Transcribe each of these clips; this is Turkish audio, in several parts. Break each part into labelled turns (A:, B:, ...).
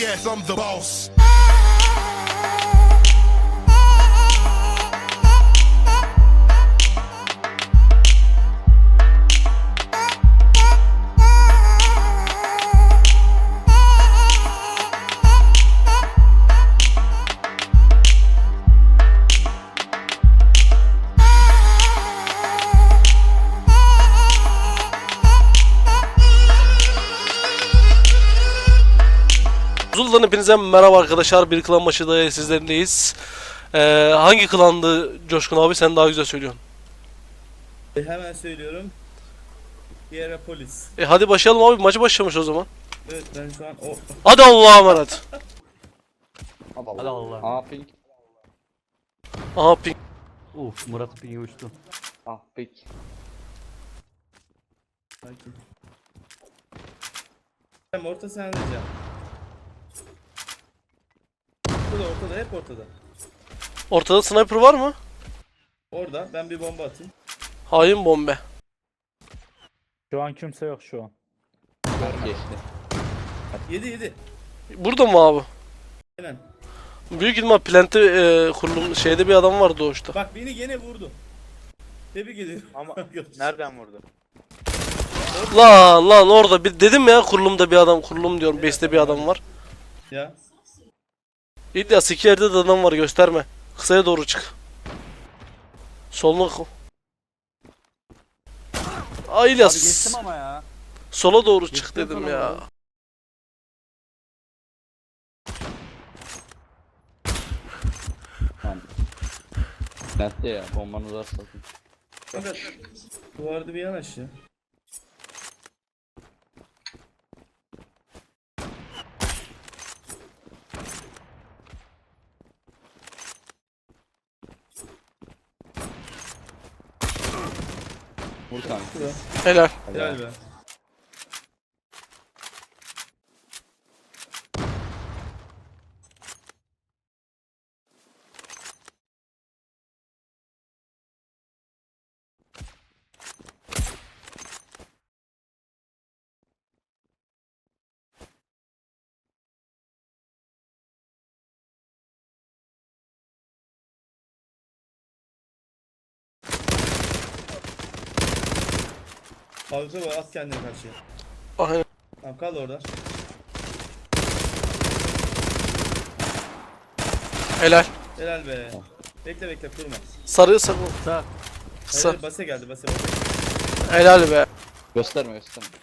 A: Yes, I'm the boss.
B: Zul'dan hepinize merhaba arkadaşlar. Bir klan maçı da sizlerindeyiz. Hangi klandı Coşkun abi? Sen daha güzel söylüyorsun.
C: Hemen söylüyorum. Hierapolis.
B: Hadi başlayalım abi. Maçı başlamış o zaman.
C: Evet ben şu an o...
B: Hadi Allah'a emanet.
D: Hadi Allah.
E: Ah pink.
B: Aha ping.
D: Uf, Murat pingi uçtu.
E: Ah pink.
C: Sakin. Hem orta sen diyeceğim. Ortada hep ortada.
B: Ortada sniper var mı?
C: Orada ben bir bomba atayım.
B: Hain bombe.
F: Şu an kimse yok şu an.
E: Geçti.
C: 7.
B: Burada mı abi?
C: Aynen.
B: Büyük ihtimal plante kurulum şeyde bir adam var doğuşta.
C: Bak beni gene vurdu. Tebrik ediyorum.
G: Ama nereden vurdu?
B: Lan orada bir dedim ya kurulumda bir adam, kurulum diyorum, base'te bir adam var.
C: Ya.
B: İlyas iki yerde de adam var, gösterme. Kısaya doğru çık. Soluna Ay
D: Abi
B: İlyas.
D: geçtim ama ya.
B: Sola doğru çık
D: Geçtim
B: dedim
D: sana
B: ya.
D: doğru.
E: Tamam. Bende ya bombanı da satın.
C: Fakat duvarda bir yanaş ya.
E: Vur kanka.
C: Şurada.
B: Helal.
C: Helal be. Fazla var, at kendini karşıya.
B: Aynen.
C: Tamam kal orada.
B: Helal.
C: Helal be. Bekle kurma.
B: Sarı sarı.
D: Sağ.
B: Kısa.
C: Hayır, base geldi base.
B: Helal be.
E: Gösterme.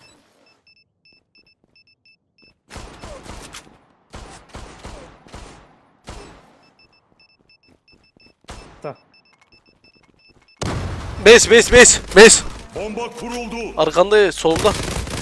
B: Base.
A: Bomba kuruldu.
B: Arkanda, solunda.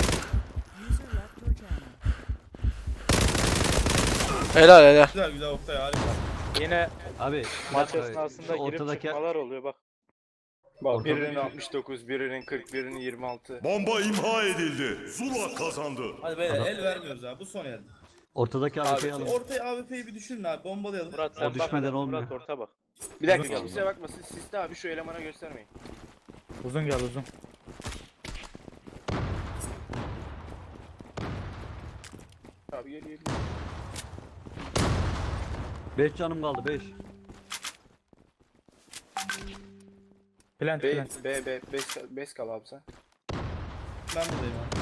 B: Helal.
C: Güzel Oktay harika.
G: Yine
D: Abi
G: maç
D: abi,
G: esnasında
D: şu
G: girip
D: ortadaki
G: çıkmalar oluyor bak. Bak
D: Ortada
G: birinin
D: bir-
G: 69, birinin 40, birinin 26.
A: Bomba imha edildi. Zula kazandı.
C: Hadi beyler el vermiyoruz abi bu son el.
D: ortadaki AWP'yi alın.
C: Ortaya AWP'yi bir düşünün abi bombalayalım.
G: Murat sen
D: O düşmeden
G: bakma,
D: olmuyor.
G: Murat orta bak. Bir dakika kimseye bakmasın. Siste abi şu elemana göstermeyin.
F: Uzun gel uzun.
G: Abi gel.
D: 5 canım kaldı 5.
F: Plant
G: B,
F: plant.
G: bes kal abi sen.
C: Ben buradayım abi.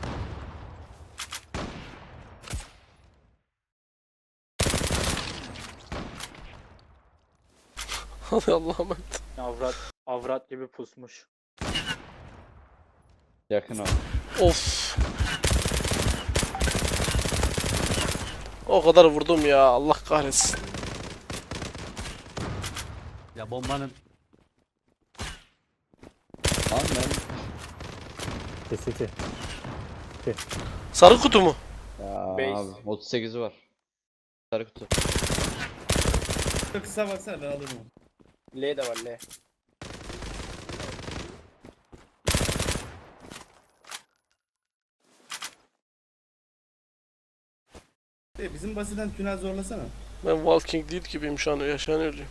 B: Hadi Allah'a emanet.
G: Avrat gibi pusmuş.
E: Yakın ol.
B: Of. O kadar vurdum ya, Allah kahretsin.
D: Ya bombanın
E: Lan ben.
F: Kesiti.
B: Sarı kutu mu?
E: Ya
G: Base.
E: abi 38'i var. Sarı kutu.
C: Kısa baksana ben alırım onu.
G: L de var L.
C: Bizim basitten tünel zorlasana.
B: Ben Walking Dead gibiyim şu an, yaşayan ölüyüm.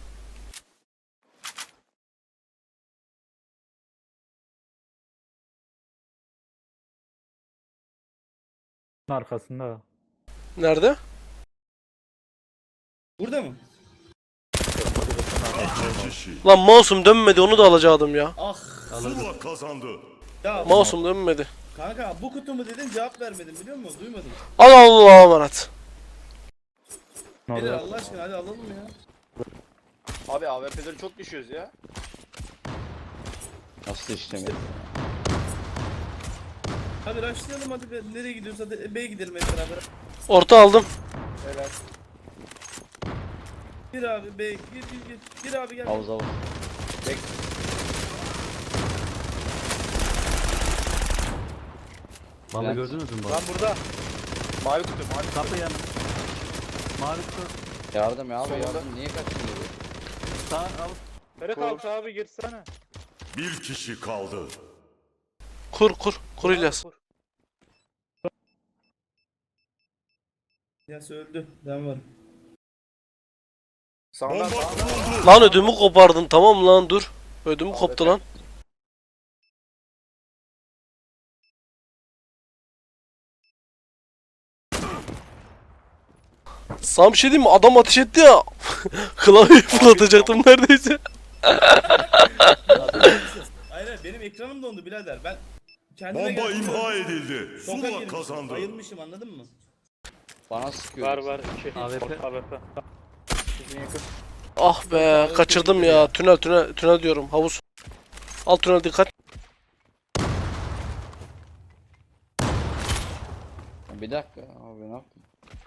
F: Arkasında.
B: Nerede?
C: Burada mı?
A: İki kişi.
B: Lan mouse'um dönmedi, onu da alacaktım ya.
C: Ah.
A: Zula kazandı.
C: Ya
B: Mouse'um dönmedi.
C: kanka bu kutu mu dedin cevap vermedim biliyor musun? Duymadım.
B: Al Allah'a emanet.
C: Beyler
F: Orada.
C: Allah aşkına hadi alalım ya.
G: Abi AWP'leri çok düşüyoruz ya.
E: Nasıl işlemiyor?
C: Hadi rushlayalım hadi be. Nereye gidiyoruz hadi B'ye gidelim hep beraber.
B: Orta aldım.
G: Helal.
C: Gir abi B'ye gir. Gir abi gel.
E: Havuz havuz.
D: Vallahi
E: Ben-
D: gördünüz mü bak?
G: Lan burada. Mavi kutu mavi kutu.
D: Kapı yanı. Mavi kutu.
E: Yardım ya abi
G: Solda.
E: yardım. Niye kaçıyorsun?
D: Sağ al.
F: Ferhat
G: Kur.
F: altı abi girsene.
A: Bir kişi kaldı.
B: Kur İlyas.
C: Ya öldü. Ben varım.
G: Sağdan
A: Bomba
G: sağdan.
A: kuruldu.
B: Lan ödümü kopardın, tamam lan dur. Ödümü koptu lan. Sana bir şey diyeyim mi? Adam ateş etti ya. Klavyeyi fırlatacaktım neredeyse.
C: Hayır benim ekranım dondu birader. Ben kendime
A: Bomba
C: geldim.
A: imha edildi.
C: Şoka
A: Zula
C: girmişim,
A: kazandı.
C: Bayılmışım anladın mı?
E: Bana sıkıyor.
F: Var 2.
D: AWP.
F: AWP.
G: Bizim yakın.
B: Ah be, kaçırdım ya. Tünel diyorum. Havuz. Alt tünel dikkat.
E: Bir dakika abi ne yaptın?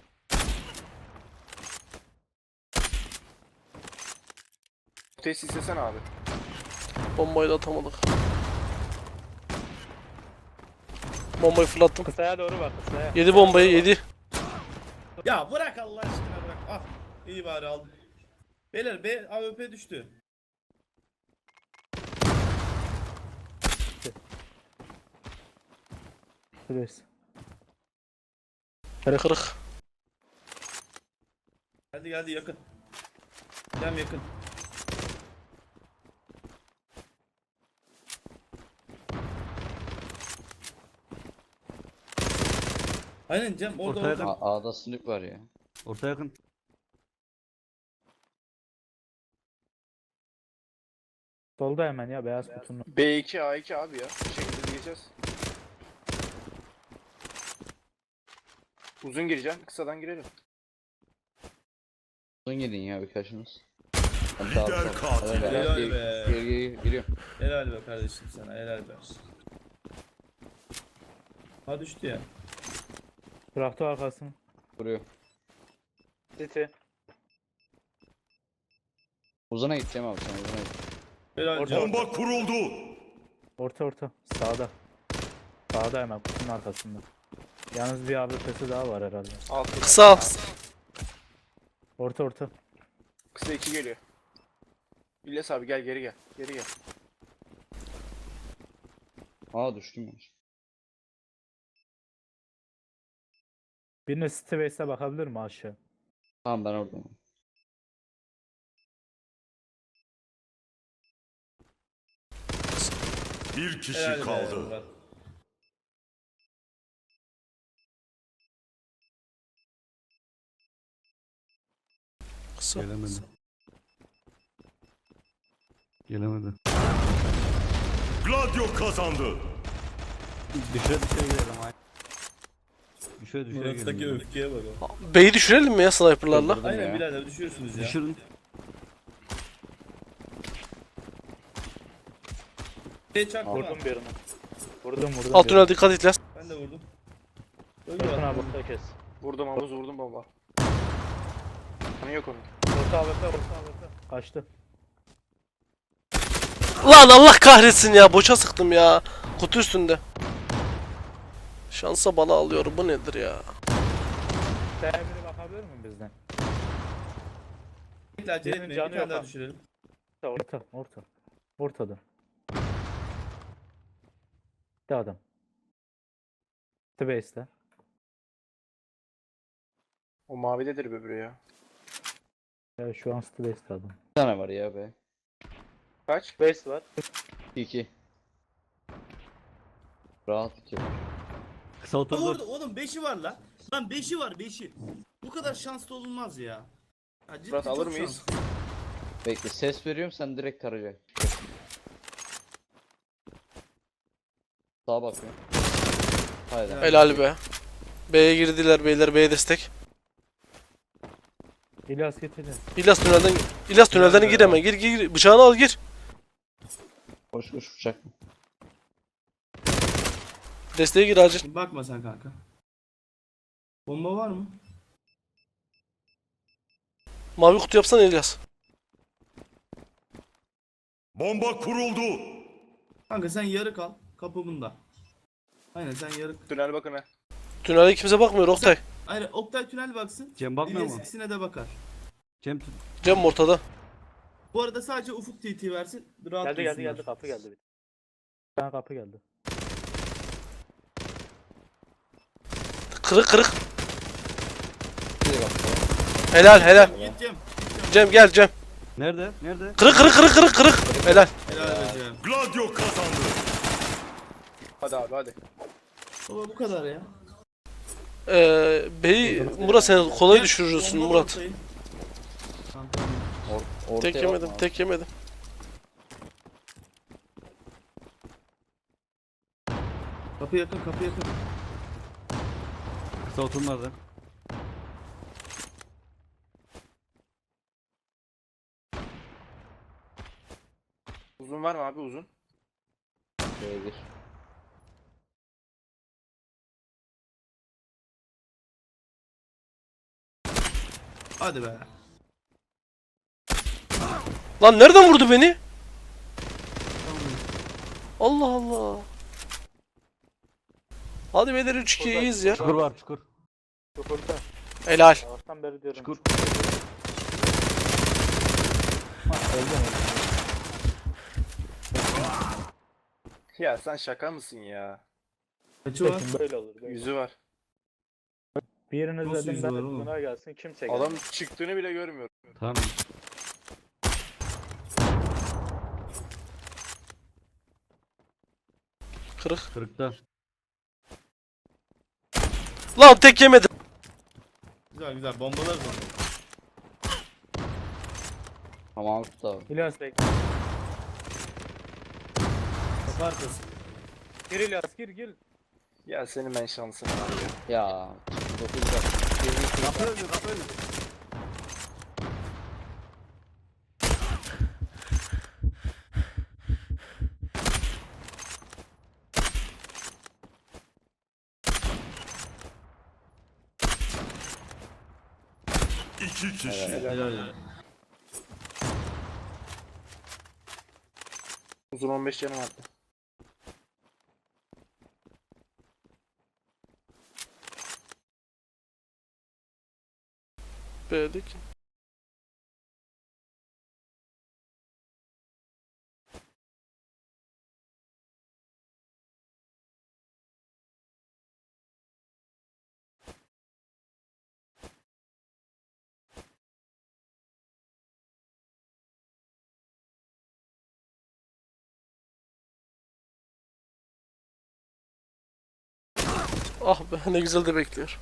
G: Kutuyu silsene abi.
B: Bombayı da atamadık. Bombayı fırlattım.
F: Kısaya doğru bak kısaya.
B: 7 bombayı 7.
C: Ya bırak Allah aşkına bırak. Ah iyi bari aldım. Beyler B AWP düştü.
F: Şuradayız.
B: Kırık.
C: Hadi geldi yakın. Cem yakın. Aynen Cem orada
D: Ortaya
C: orada.
D: da-
E: A'da sınıf var ya.
D: Orta yakın.
F: Solda hemen ya beyaz kutunun.
G: B2 A2 abi ya. Bir şekilde gireceğiz. Uzun gireceğim. Kısadan girelim.
E: Uzun gidin ya birkaçınız.
A: Lider katil.
C: Helal be.
E: Giriyorum.
C: Helal be kardeşim sana helal be. Ha düştü ya.
F: Bıraktı arkasını.
E: Vuruyor.
F: City.
E: Uzuna gideceğim abi sen uzuna git.
C: Helal
F: Orada.
C: Cem.
A: Bomba kuruldu.
F: Orta. Sağda. Sağda hemen kutunun arkasında. Yalnız bir AWP'si daha var herhalde.
G: Altı.
B: Kısa.
F: Orta.
G: Kısa 2 geliyor. İlyas abi gel geri gel. Geri gel.
E: Aa düştüm ya.
F: Birine City base'e bakabilir mi aşağı?
E: Tamam ben oradayım.
A: Bir kişi
C: Helal be
A: kaldı.
C: Murat.
B: Kısa.
D: Gelemedi.
A: Gladio kazandı.
D: Düşe girelim ay. Düşe
C: Murat'taki
D: girelim.
C: öfkeye bak o.
B: B'yi düşürelim mi ya sniperlarla?
E: Kırdırdım
C: Aynen
E: ya.
C: birader düşüyorsunuz ya.
D: Düşürün.
C: Çaktı mı?
F: Vurdum birini. Vurdum.
B: Alt
F: birini.
B: tünel dikkat et İlyas.
C: Ben de vurdum. Öldü
F: Orkun
C: adam.
F: abi orta kes.
G: Vurdum havuz vurdum baba. Hani yok onun.
F: Orta AWP. Kaçtı.
B: Lan Allah kahretsin ya, boşa sıktım ya. Kutu üstünde. Şansa bala alıyorum, bu nedir ya?
F: T'ye biri bakabilir mi bizden?
C: Bekle acele
F: Birinin
C: etmeyin. Bir
F: canı
C: tane
F: yok
C: daha
F: ha.
C: düşürelim.
F: Ortada. Bir adam. City base'te.
G: O mavidedir öbürü ya.
F: Ya şu an City base'te adam.
E: Bir tane var ya be.
G: Kaç?
F: Base var.
E: 2. Rahat 2.
D: Kısa oturdu.
C: Orada oğlum 5'i var lan. Lan 5'i var 5'i. Bu kadar şanslı olunmaz ya. Ya ciddi
G: Murat, alır
C: çok
G: mıyız?
C: şanslı.
E: Bekle ses veriyorum sen direkt tarayacak. Sağa bakıyorum. Haydi.
B: Helal be. B'ye girdiler beyler, B'ye destek.
F: İlyas getirdi.
B: İlyas tünelden gir hemen. Gir. Bıçağını al gir.
E: Koş koş bıçak.
B: Desteğe gir acil.
C: Bakma sen kanka. Bomba var mı?
B: Mavi kutu yapsana İlyas.
A: Bomba kuruldu.
C: Kanka sen yarı kal. Kapı bunda. Aynen sen yarı.
G: Tünel bakın ha.
B: Tünele kimse bakmıyor Oktay.
C: Aynen Oktay tünel baksın.
D: Cem bakmıyor
C: İlyas
D: mu?
C: ikisine de bakar.
D: Cem
B: Cem ortada.
C: Bu arada sadece Ufuk TT versin. Rahat
F: Geldi
C: dursunlar.
F: kapı geldi. Bir tane kapı geldi.
B: Kırık.
E: Bir bak.
B: Helal.
C: Git Cem.
B: Cem gel Cem.
D: nerede? Nerede?
B: Kırık. Helal.
C: Helal be Cem.
A: Gladio kazandı.
G: Hadi abi hadi.
C: Baba bu kadar ya.
B: B'yi Murat sen kolay
C: Cem,
B: düşürürsün
C: bomba
B: Murat.
C: ortayı. Kanka,
E: Ortaya
B: Tek yemedim.
C: Kapı yakın.
D: Kısa oturmadı.
G: Uzun var mı abi uzun?
E: Şöyle gir.
C: Hadi be.
B: Lan nereden vurdu beni? Allah Allah. Hadi beyler 3-2'yiz ya.
D: Çukur var çukur.
F: Çukurda.
B: Helal.
F: Sabahtan beri diyorum.
D: Çukur.
F: Öldüm.
G: Ya sen şaka mısın ya?
C: Kaçı var?
F: Böyle olur. Böyle.
G: Yüzü var.
F: Biriniz
C: Nasıl
F: dedim
C: yüzü
F: ben
C: var oğlum?
F: buna gelsin kimse
G: Adam
F: gelmez.
G: çıktığını bile görmüyorum.
D: Tamam.
B: Kırık.
D: Kırıkta.
B: Lan tek yemedim.
C: Güzel bombalar var.
E: Tamam tut abi.
F: İlyas bekle.
C: Kapı arkası.
F: Gir İlyas gir.
G: Ya senin ben şansın abi.
E: Ya. 9 bak.
D: Kapı önü kapı önü.
A: İki kişi.
C: Helal.
G: Uzun 15 canım attı.
B: B'lik. Ah be ne güzel de bekliyor.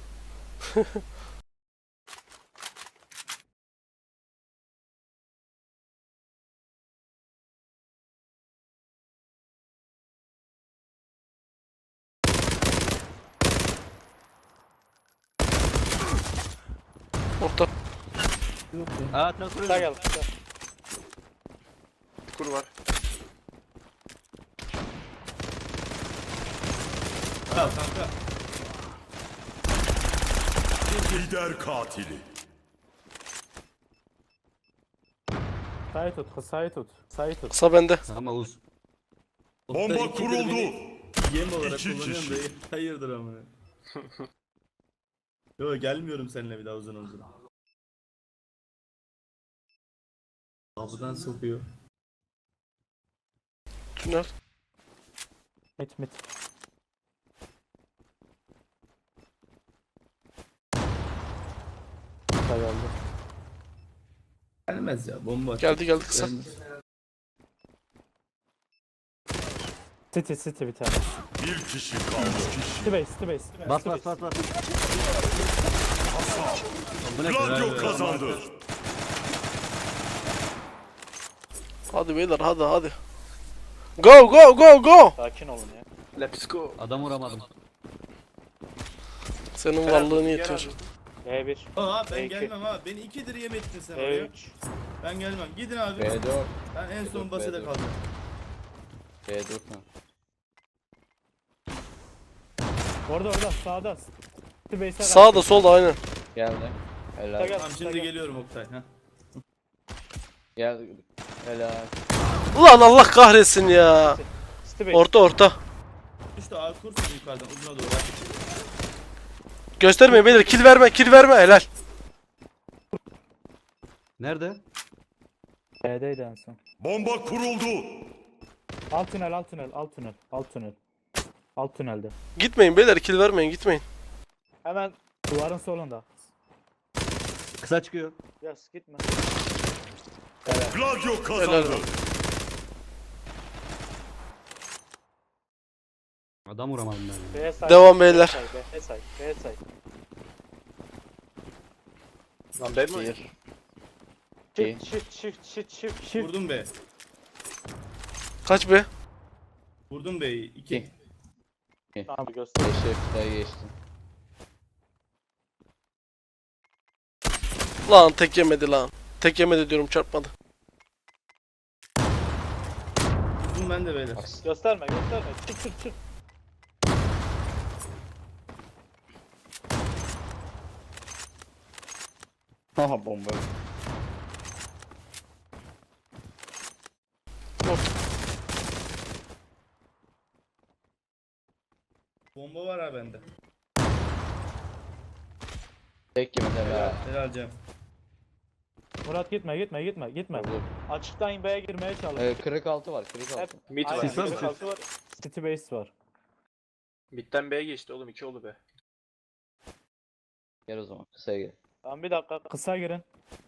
B: Orta.
D: Aa traktör
F: Kısa
D: önü.
F: gel kısa.
G: Çukur var.
C: Al kanka.
A: Lider katili.
F: Kısayı tut.
B: Kısa bende.
D: Tamam uz.
A: Bomba
C: Oktay, ikidir
A: kuruldu.
C: beni Yem olarak
A: İki
C: kullanıyorum
A: kişi.
C: da hayırdır amına. Yo gelmiyorum seninle bir daha uzun. Kapıdan sokuyor.
B: Tünel.
F: Mit. Kısa geldi.
C: Gelmez ya bomba.
B: Geldi kısa.
C: Gelmez.
F: City bir tane.
A: Bir kişi kaldı.
F: City base.
D: Bas. Bu ne kadar?
A: Gladio kazandı.
B: Hadi beyler hadi. Go go go go.
F: Sakin olun ya.
G: Let's go.
D: Adam vuramadım.
B: Senin varlığın yetiyor.
F: B1.
C: Aa ben
F: Peki.
C: gelmem ha. Beni 2'dir yem ettin sen oraya.
F: B3.
C: Ben gelmem. Gidin abi.
E: B4.
C: Ben en son
E: B4,
C: basede
E: B4.
C: kalacağım.
E: B4 ha.
F: Orada sağda. Space'e
B: Sağda solda aynen.
E: Geldi. Helal.
F: Gel.
C: Tamam şimdi geliyorum Oktay. Ha.
E: Gel. Helal.
B: Ulan Allah kahretsin ya.
F: Space.
B: Orta.
C: İşte abi kursun yukarıdan uzuna doğru.
B: Göstermeyin beyler, kill verme helal.
D: Nerede?
F: B'deydi en son.
A: Bomba kuruldu.
F: Alt tünel. Alt tünelde.
B: Gitmeyin beyler, kill vermeyin, gitmeyin.
F: Hemen duvarın solunda.
D: Kısa çıkıyor.
F: Yas gitme.
A: Gladio kazandı.
B: Helal.
D: Adam vuramadım ben.
F: B side.
B: Devam beyler.
F: B side.
G: Lan ben mi?
E: Bir.
F: Shift.
C: Vurdum be.
B: Kaç be?
C: Vurdum beyi. 2.
F: Abi göster.
E: Geçti. Geçti.
B: Lan tek yemedi lan. Tek yemedi diyorum, çarpmadı.
C: Vurdum ben de beyler.
F: Gösterme. Çık.
E: Haha bomba.
C: Bomba var ha bende.
E: Tek yemedi helal.
C: Helal Cem.
F: Murat gitme.
E: Dur.
F: Açıktan B'ye girmeye çalış.
E: Kırık altı var. Kırık altı.
F: Hep
G: Mid var.
F: aynen,
D: Sis var mı?
F: kırık altı var. City base var.
G: Mid'den B'ye geçti oğlum 2 oldu be.
E: Gel o zaman. Kısaya gel.
F: Tamam bir dakika. Kısa girin.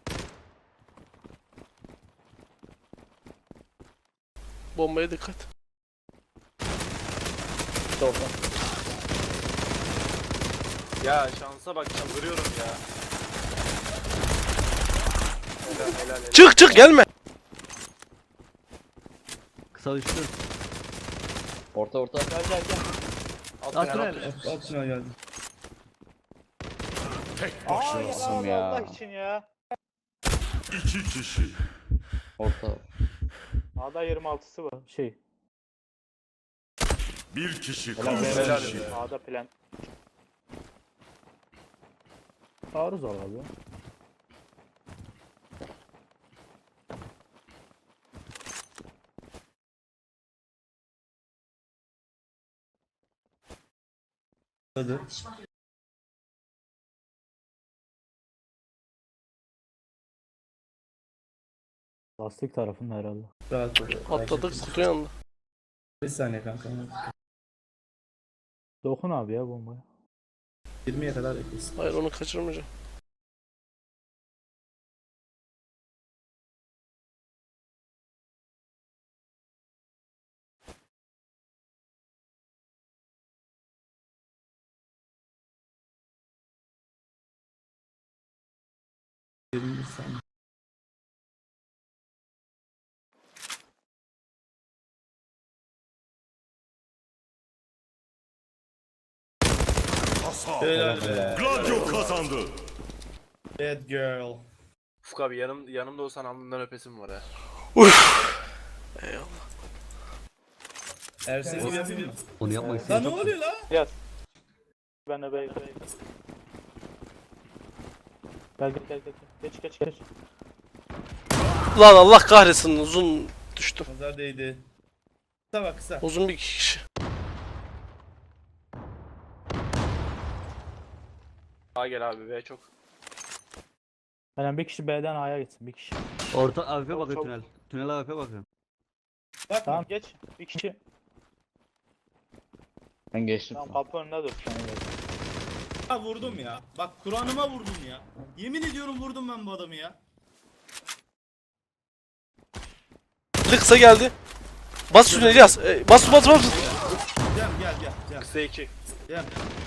B: Bombaya dikkat.
E: Solda.
G: Ya şansa bak çıldırıyorum ya. Helal.
B: Çık gelme.
D: Kısa düştü.
E: Orta.
F: Gel.
G: Alt tünel,
D: Tünel.
G: alt tünel.
C: Altına geldim.
A: Tek
F: Aa
A: başınasın.
F: ya
E: ya.
F: Allah için ya.
A: 2 kişi.
E: Orta.
F: A'da 26'sı var.
A: Bir kişi
F: Helal
A: kaldı.
G: Helal be.
F: A'da plan. Arız al abi.
C: Hadi.
F: Lastik tarafında herhalde.
C: Rahat ol.
B: Atladık kutu yanında.
C: Bir saniye kanka.
F: Dokun abi ya bombaya.
C: 20'ye kadar beklesin.
B: Hayır, onu kaçırmayacağım.
C: Bir saniye.
A: Hasar.
C: Helal be.
A: Gladio kazandı.
C: Bad girl.
G: Ufuk abi yanımda olsan alnından öpesim var ha.
C: Ersin gibi yapayım mı?
D: Onu yapmak
C: Lan
D: istedim.
C: ne oluyor lan?
F: Yaz. Ben de B'ye. Gel. Geç.
B: Lan Allah kahretsin, uzun düştüm.
C: Nazar değdi. Kısa bak kısa.
B: Uzun bir kişi.
G: A gel abi B çok.
F: Yani bir kişi B'den A'ya gitsin. Bir kişi.
D: Orta AWP bakıyor
F: çok-
D: tünel. Tünel AWP bakıyor.
C: Bak
F: Tamam geç. Bir kişi.
E: Ben geçtim.
F: Tamam kapı önünde dur.
C: ha, vurdum ya. Bak Kur'an'ıma vurdum ya. Yemin ediyorum vurdum ben bu adamı ya.
B: Bir de kısa geldi. Bas üstüne İlyas. Bas.
C: Cem.
G: Kısa 2.
C: Cem.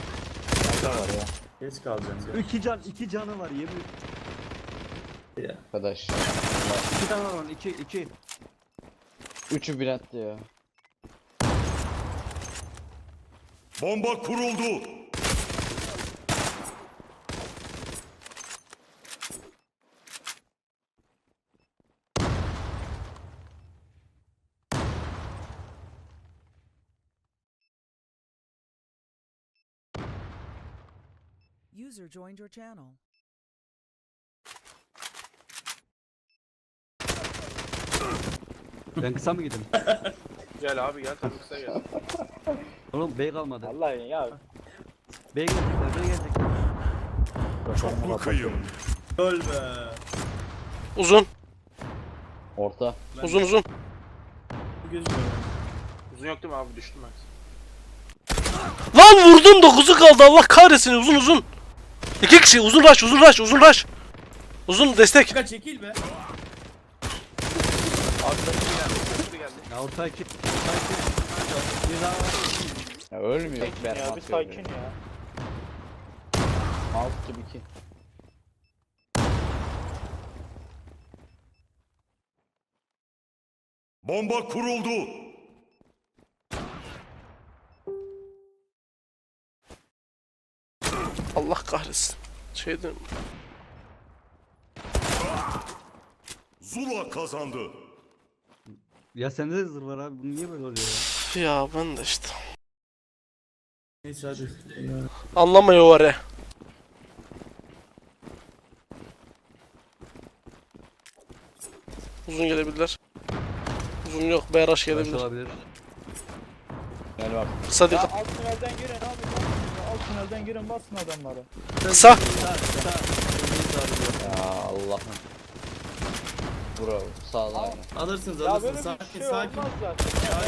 C: Geç kalacağım Cem.
D: 2 canı var yemin.
E: Arkadaş.
D: 2 tane var onun 2.
E: Üçü bir attı ya.
A: Bomba kuruldu.
H: User joined your channel.
D: Ben kısa mı gideyim?
G: Gel abi gel tabii kısa gel.
D: Oğlum bey kalmadı.
F: Vallahi ya.
D: Bey gelecekler, bey gelecekler.
A: Çok bakayım.
C: Öl be.
B: Uzun.
E: Orta.
B: Uzun uzun.
C: Gözükmüyor.
G: Uzun yok değil mi abi düştüm ben.
B: Lan vurdum 9'u kaldı Allah kahretsin uzun uzun. 2 kişi uzun rush uzun rush uzun rush. Uzun destek.
C: Kanka çekil be.
G: Abi geldi. Geldi.
D: Ya orta iki. Bir daha var.
E: Ya ölmüyor.
F: Sakin
E: Berbat
F: ya bir sakin ya.
E: Alt gibi 2.
A: Bomba kuruldu.
B: Allah kahretsin. Şeyden.
A: Zula kazandı.
D: Ya sende de zırh var abi. Bu niye böyle oluyor ya?
B: Ya ben de işte.
C: Neyse hadi.
B: Anlamıyor var ya. Uzun gelebilirler. Uzun yok. BRH
D: Baş
B: gelebilir.
D: olabilir.
E: Gel bak.
B: Kısa
F: Ya
B: dikkat.
F: alt tünelden girin abi. Alt tünelden girin basın adamları.
B: Kısa.
E: Ya Allah'ım. Bravo. Sağda aynı.
C: Alırsınız
F: Ya böyle
C: alırsınız.
F: bir
C: Sakin
F: şey
C: sakin.
F: olmaz zaten.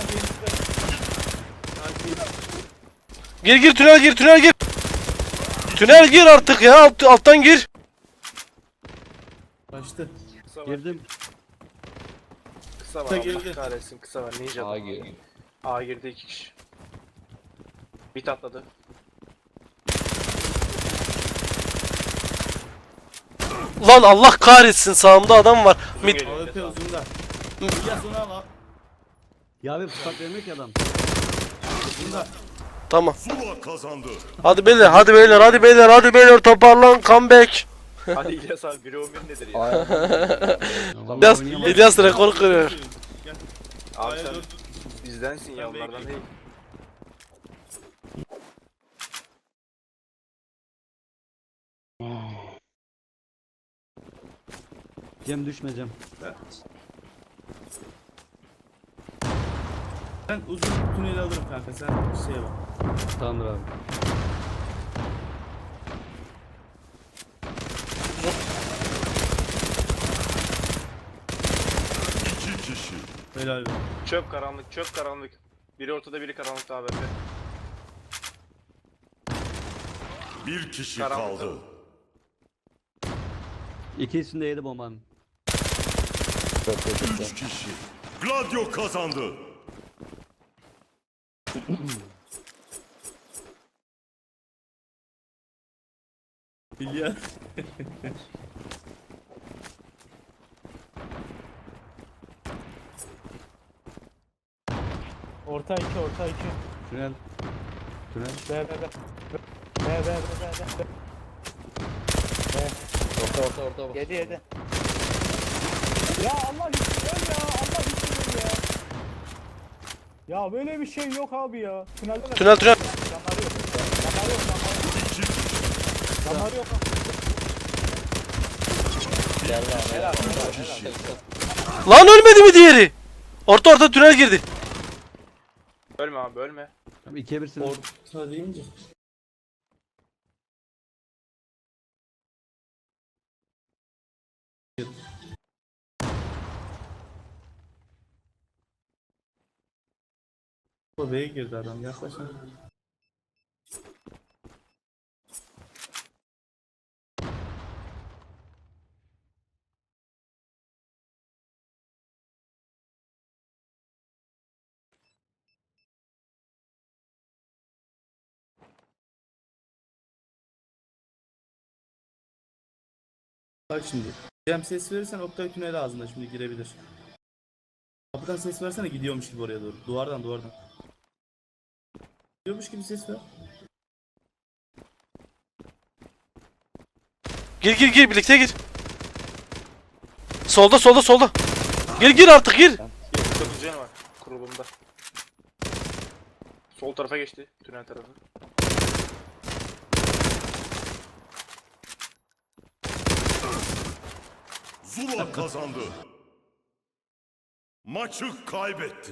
B: Gir tünel gir tünel gir. Tünel gir artık ya. Alttan gir.
C: Başladı.
G: Kısa var.
D: Girdim.
G: Kısa var.
C: Kısa
G: Allah
C: girdi.
G: kahretsin kısa var. Ninja.
E: A giriyor.
G: A girdi 2 kişi. Bit atladı.
B: Lan Allah kahretsin sağımda adam var.
G: Uzun
B: Mid.
G: geliyor.
C: AWP uzunda. Ya sonra al.
D: Ya abi fırsat vermiyor ki adam.
C: Uzunda.
B: Tamam.
A: Zula kazandı.
B: Hadi beyler hadi beyler hadi beyler hadi beyler toparlan comeback.
G: Hadi İlyas abi 1'e 11 nedir ya?
E: Aynen.
B: İlyas,
D: oynayamam.
B: İlyas rekor kırıyor.
C: Gel.
G: Abi
C: A'ya
G: sen
C: dur.
G: bizdensin ya
C: Ben
G: onlardan
C: bekleyeyim.
G: değil.
D: Cem düşme Cem.
C: Ben uzun tüneli alırım kanka sen şeye bak.
D: Tamamdır abi.
A: İki kişi.
C: Helal be.
G: Çöp karanlık çöp karanlık. Biri ortada biri karanlıkta abi.
A: Bir kişi
G: Karanlık.
A: kaldı.
D: İkisini de yedi bombanın.
E: Çok kötü.
A: Üç kişi. Gladio kazandı.
C: İlyas.
F: Orta 2 orta 2.
D: Tünel. Tünel.
F: B.
E: Orta.
F: 7. Ya Allah için öl ya. Allah için öl ya. Ya böyle bir şey yok abi ya. Tünelde de
B: Tünel tünel.
F: canları yok. Canları yok.
A: İki kişi.
F: Canları yok.
E: Gel lan.
F: Helal.
B: Lan ölmedi mi diğeri? Orta tünel girdi.
G: Ölme abi ölme.
D: Tamam 2'ye 1'sin.
C: Orta deyince. Bu B'ye girdi adam yaklaşın. Bak şimdi. Cem ses verirsen Oktay tünel ağzına şimdi girebilir. Kapıdan ses versene, gidiyormuş gibi oraya doğru. Duvardan. Gidiyormuş gibi ses ver.
B: Gir birlikte gir. Solda. Gir artık gir.
G: 9 canı var kurulumda. Sol tarafa geçti. Tünel tarafı.
A: Zula kazandı. Maçı kaybetti.